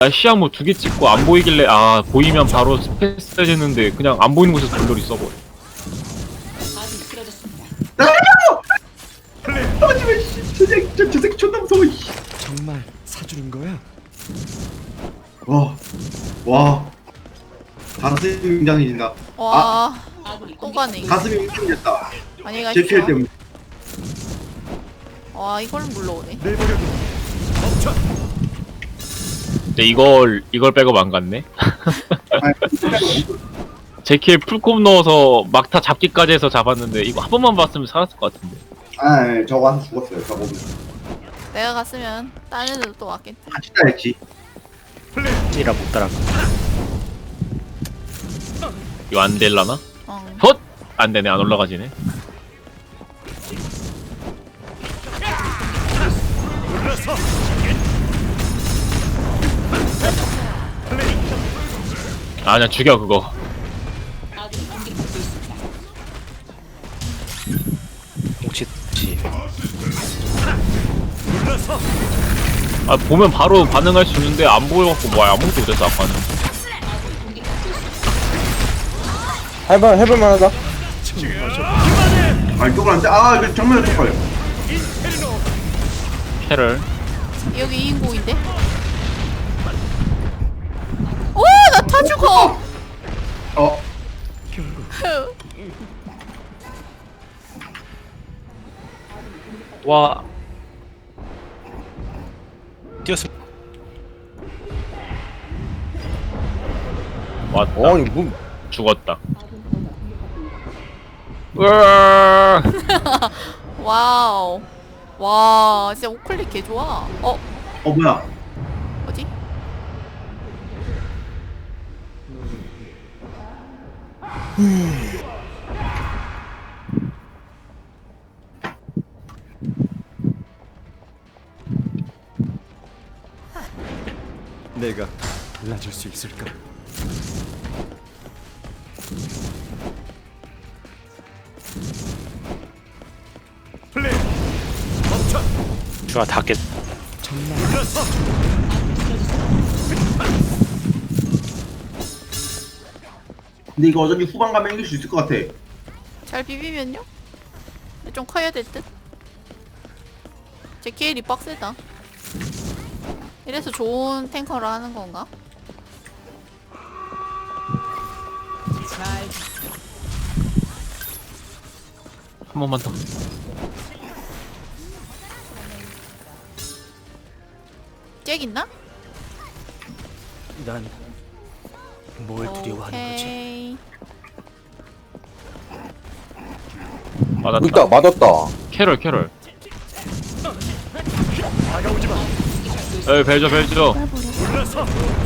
시야모 2개 찍고 안 보이길래 아 보이면 바로 스페이스 해줬는데 그냥 안 보이는 곳에서 돌돌이 써버려. 하지마 씨. 저 새끼 존나 무서워 씨. 정말 사주는 거야? 와 가슴이 웅장해진다. 와, 또 가네. 가슴이 웅장해졌다. 아니, 제 피해 가십시오. 때문에. 와, 이걸 물러오네. 내버려둬. 멈춰. 근데 이걸 빼고 안 갔네. 제키에 풀콤 넣어서 막타 잡기까지 해서 잡았는데 이거 한 번만 봤으면 살았을 것 같은데. 아 저거 와서 죽었어요. 저거 내가 갔으면 딴 애들도 또 왔겠지. 같이 따했지. 이라 못 따라가. 이거 안 될라나? 어. 헛! 안 되네, 안 올라가지네. 올라서. 아, 그냥 죽여, 그거. 혹시 올라서. 아, 보면 바로 반응할 수 있는데 안 보여갖고 뭐 아무것도 못했어, 아까는. 해볼만하다. 아 이쪽은 안 돼. 아 이거 정면에 쪽 걸려. 캐럴. 여기 2인공인데? 오! 나 타 죽어! 와 뛰었어. 왔다. 아니 뭐 죽었다. 으아! 와우. 와, 진짜 우클릭 개 좋아. 뭐야? 뭐지? 내가 달라줄 수 있을까? 플레이. 멈춰. 주아 다 깼. 정말. 올라서. 근데 이거 어차피 후반 가면 이길 수 있을 것 같아. 잘 비비면요? 근데 좀 커야 될 듯? 제 케일이 빡세다. 이래서 좋은 탱커를 하는 건가? 한 번만 더. 잭 있나? 난 뭘 두려워하는 거지? 오케이. 맞았다. 있다 맞았다. 캐럴, 캐럴. 다가오지 마. 에이, 벨저, 벨저. 올라서.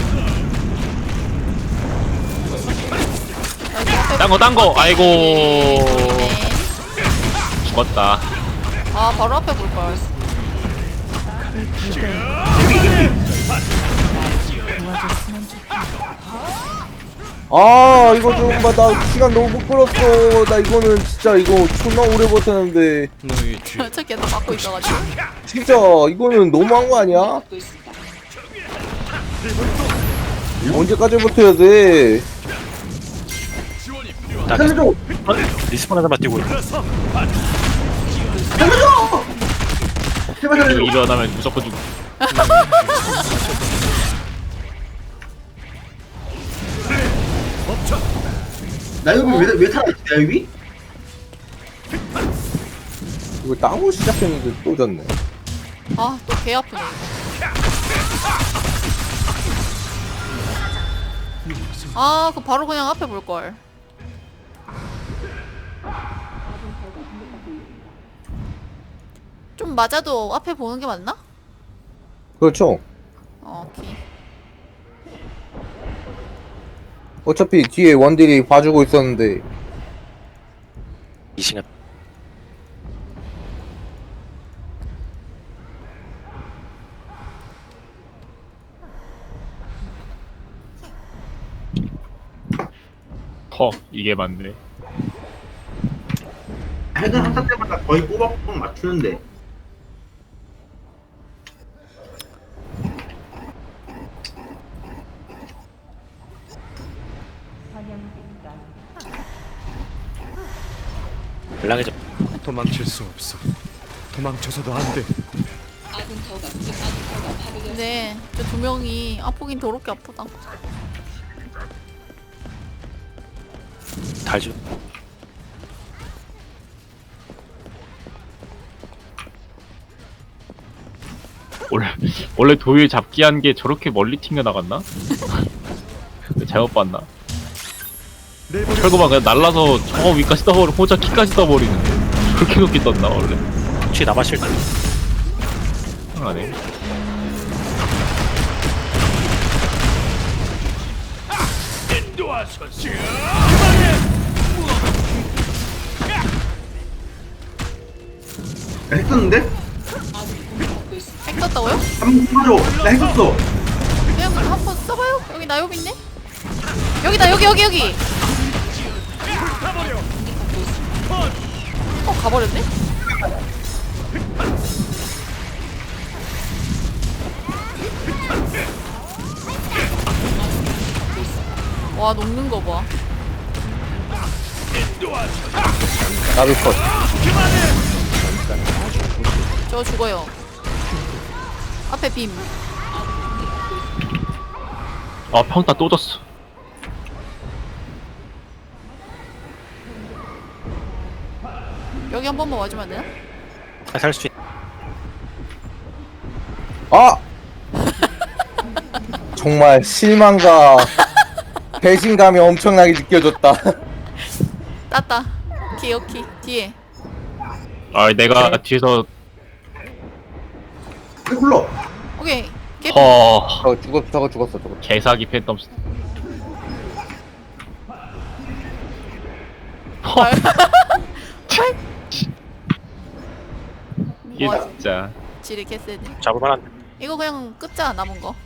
딴 거. 아이고. 네. 죽었다. 아, 바로 앞에 볼걸. 아 이거 좀 봐. 나 시간 너무 못 끌었어. 나 이거는 진짜 이거 존나 오래 버텼는데 너의 죄. 저 계속 막고 있어가지고. 진짜 이거는 너무한 거 아니야? 언제까지 버텨야 돼? 나 살려줘! 리스폰 하나만 뛰고 있어. 올라서. 살려줘! 제발 이거 살려줘! 일어나면 무조건 죽. 멈춰. 나유비 왜 살아있지 나유비? 이거 땅으로 시작했는데 또 졌네. 아, 또 개 아프네. 아, 그 바로 그냥 앞에 볼걸. 좀 맞아도 앞에 보는 게 맞나? 그렇죠. 오케이. 어차피 뒤에 원딜이 봐주고 있었는데 이 시간 이게 맞네. 핵은 한타 때마다 거의 꼬박꼬박 맞추는데 연락해줘. 도망칠 수 없어. 도망쳐서도 안 돼. 근데 저 두 명이 아프긴 더럽게 아프다. 달죠. 원래 도일 잡기 한 게 저렇게 멀리 튕겨 나갔나? 잘못 봤나? 내버려. 철거만 그냥 날라서 저 위까지 떠버리고 혼자 키까지 떠버리는데 그렇게 높게 떴나 원래? 혹시 남았을 때 이상하네. 야, 했었는데? 핵 떴다고요? 한번 써줘. 나 했었어. 그냥 한번 써봐요. 여기 나요비 있네. 여기다 여기. 가버렸네? 와 녹는 거 봐. 나도 컷. 저 죽어요. 앞에 빔. 아 평타 또 졌어. 여기 한 번만 와주면 안 되나? 살 수 있. 아! 정말 실망과 배신감이 엄청나게 느껴졌다. 땄다. 오케이 뒤에. 아 내가 뒤에서 굴러. 오케이. 개. 저거 죽었어. 개사기 팬텀스. 이게 와, 진짜 지뢰 개쎄네. 잡을만한. 이거 그냥 끄자 남은 거.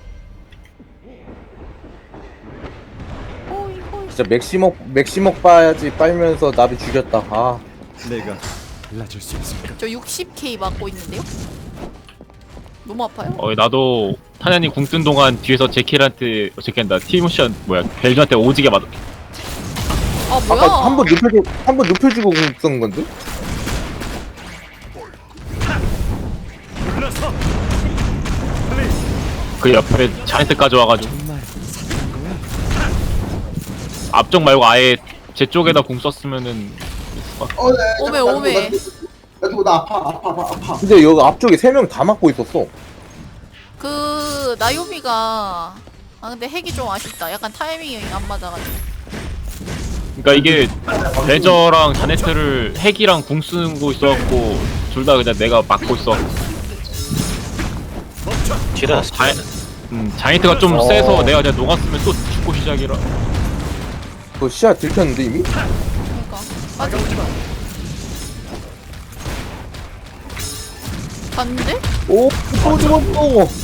호이. 진짜 맥시먹 봐야지 빨면서 나비 죽였다. 아, 내가 달라질 수 있을까? 저 60K 맞고 있는데요? 너무 아파요? 나도 타냐님 궁 뜬 동안 뒤에서 제킬한다 티모션 뭐야 벨주한테 오지게 맞아. 아 뭐야? 아까 한번 눕혀주고 쓴 건데? 물러서. 그 옆에 자네트까지 와가지고 정말 사는 거야? 앞쪽 말고 아예 제 쪽에다 궁 썼으면은 네. 오메. 나 아파. 근데 여기 앞쪽에 3명 다 맞고 있었어. 그 나요비가 근데 핵이 좀 아쉽다. 약간 타이밍이 안 맞아가지고. 그러니까 이게 레저랑 자네트를 핵이랑 궁 쓰는 거 있어갖고 둘 다 그냥 내가 막고 있어. 뒤에다 자네트가 좀 세서 내가 그냥 녹았으면 또 죽고 시작이라. 그거 시야 들켰는데 이미? 그러니까 맞아. 봤는데? 오, 또 죽었어.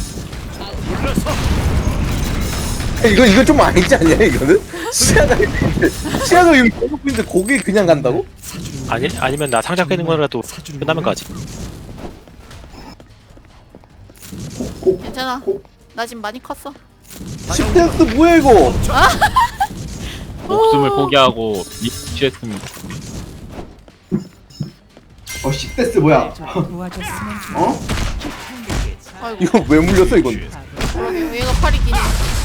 이거 좀 아니지 않냐 이거는? 시야가 여기 계속 있는데 거기 그냥 간다고? 아니면 나 상자 깨는 거라도 끝나면 가지. 괜찮아. 나 지금 많이 컸어. 10댄스 뭐야 이거? 목숨을 포기하고 취했습니다. 10데스 뭐야? 어? 아이고. 이거 왜 물렸어 이건? 그러게 얘가 팔이 기네.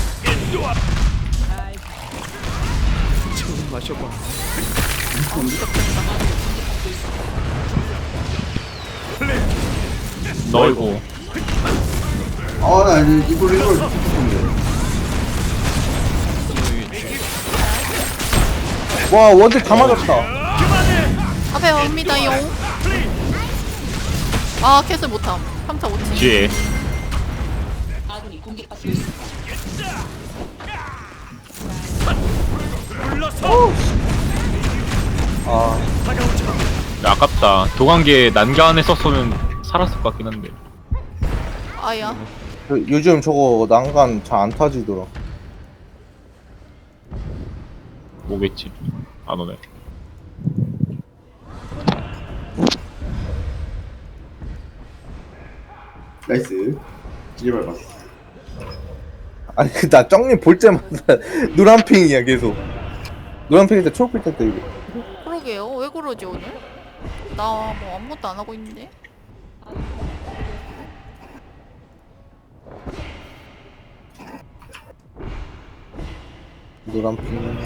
처음 마셔봐. 너이고 나 이걸 와 원딜 다 맞았다. 앞에 옵니다용. 아 캐슬 못함. 3타 5치. 뒤에 아, 야, 아깝다. 도관계 난가 안에 썼으면 살았을 것 같긴 한데. 아야. 요즘 저거 난간 잘 안 타지더라. 뭐겠지? 안 오네. 나이스. 진짜 밟았어. 아니 나 쩡님 볼 때마다 노란핑이야 계속. 노란핑일 때 초록빛 때 이거. 그러게요. 왜 그러지 오늘? 나 뭐 아무것도 안 하고 있는데. 노란 핑.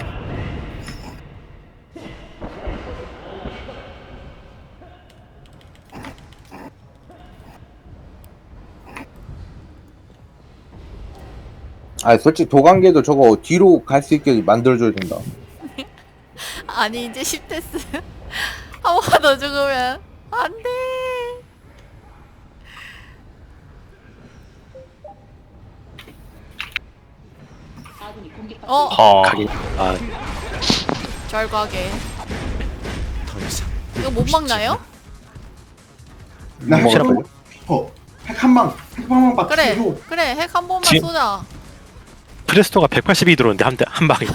아 솔직히 도관계도 저거 뒤로 갈 수 있게 만들어줘야 된다. 아니 이제 10대스. 한 번 더 죽으면 안 돼. 어, 가긴. 아, 잘 가게. 더 이상 이거 못 막나요? 나 핵 먹으라고요? 한 방. 핵 한 방. 핵 한 방만 그래, 줘. 그래. 핵 한 번만 지금- 쏘자. 프레스토가 180이 들어오는데 한 방에.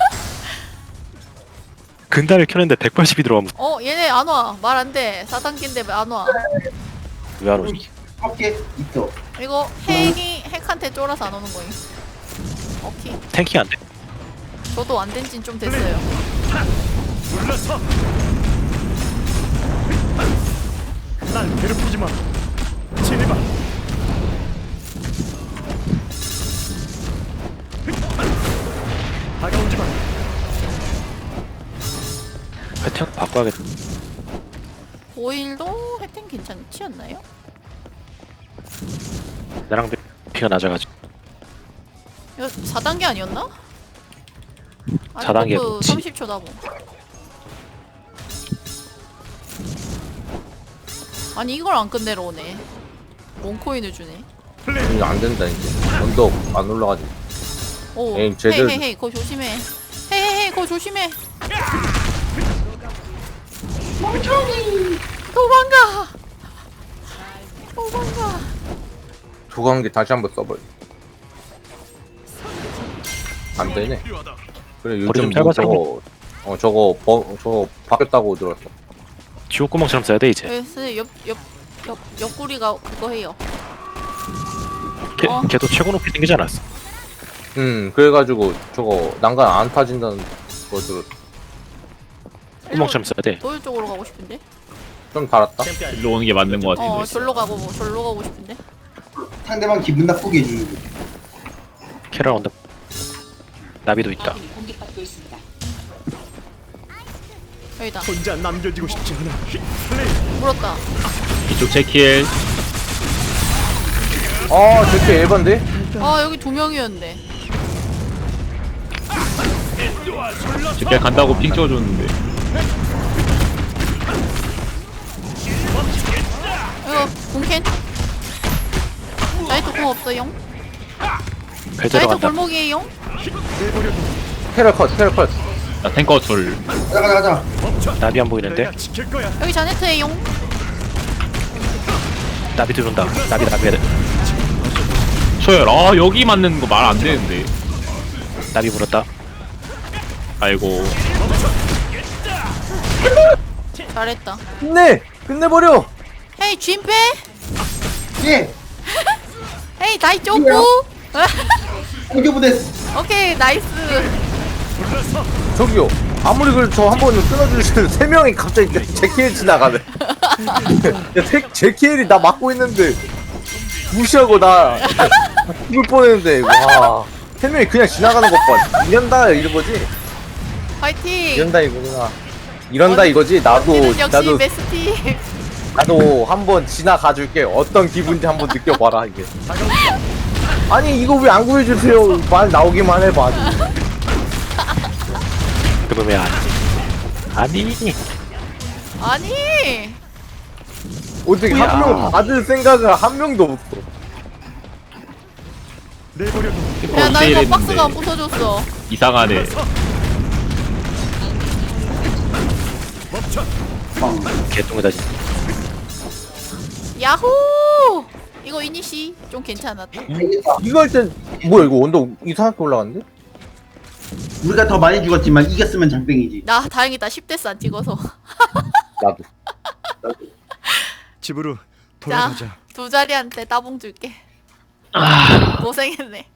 근달을 켜는데 180이 들어가면 어, 얘네 안 와. 말 안 돼. 4단계인데 왜 안 와? 왜 안 오지? 밖에 있어. 이거 핵이 핵한테 쫄아서 안 오는 거임. 오케이. 탱킹 안 돼. 저도 안 된 진 좀 됐어요. 물러서. 날 괴롭히지 마. 진해봐. 다가오지 마. 패턴 바꿔야겠다. 보일도 혜택 괜찮지 않나요? 나랑 피가 낮아가지고. 이거 4단계 아니었나? 4단계 버프 그치. 30초 나고. 아니 이걸 안 끝내러 오네. 원코인을 주네. 이거 안 된다 이제. 언덕 안 올라가지. 오, 에임 제대로- 헤이 그거 조심해. 헤이 그거 조심해. 도망가. 도망가. 도관계 다시 한번 써버려. 안 되네. 그래 머리 요즘 좀 뭐 짧아서 저거 바뀌었다고 들었어. 지옥구멍처럼 써야 돼 이제. 그래서 옆구리가 그거 해요. 걔, 어. 걔도 최고 높이 생기지 않았어. 그래가지고 저거 난간 안 타진다는 거 들었어. 구멍처럼 써야 돼. 도일 쪽으로 가고 싶은데. 좀 달았다. 일로 오는 게 맞는 것 같은데. 절로 가고 싶은데. 상대방 기분 나쁘게 해주는 거. 캐럴 온다. 나비도 있다. 여기다. 혼자 남겨지고 싶지 않아. 물었다. 이쪽 제킬. 아 저게 에반데? 아 여기 두 명이었는데. 제킬 간다고 핑 찍어줬는데. 이거 공캔. 나이트 공 없어용. 배 나이트 들어간다. 골목이에요. 캐럴 컷. 나 탱커 둘. 가자. 나비 안 보이는데. 내가 지킬 거야. 여기 자네트에용. 나비 들어온다. 나비. 소열. 아 여기 맞는 거 말 안 되는데. 나비 물었다. 아이고. 잘했다. 끝내버려. 헤이 진페. 예. 헤이 나이 쪼꾸. 공격부됐어. 오케이 나이스. 저기요. 아무리 그래도 저 한 번은 끊어주시는 세 명이 갑자기 제키엘 지나가네. 제키엘이 나 막고 있는데 무시하고 나 죽을 뻔했는데 와. 세 명이 그냥 지나가는 것 봐. 이런다 이런 거지. 파이팅. 이런다 이거구나. 이런다 이거지. 언니는 역시 베스티. 나도 한번 지나가 줄게. 어떤 기분인지 한번 느껴봐라 이게. 아니 이거 왜 안 구해주세요. 말 나오기만 해봐. 그러면 왜 안? 아니. 아니. 어떻게 한 명 받을 생각을 한 명도 없어. 내버려. 야 나 이거 세일했는데. 박스가 안 부서졌어. 이상하네. 멈춰. 개똥이다 진짜. 야호. 이거 이니시 좀 괜찮았다. 이거 할 땐 뭐야 이거 언덕 이상하게 올라갔는데? 우리가 더 많이 죽었지만 이겼으면 장땡이지. 나 다행이다 10대스 안 찍어서. 나도. 집으로 자 돌아가자. 두 자리한테 따봉 줄게. 고생했네.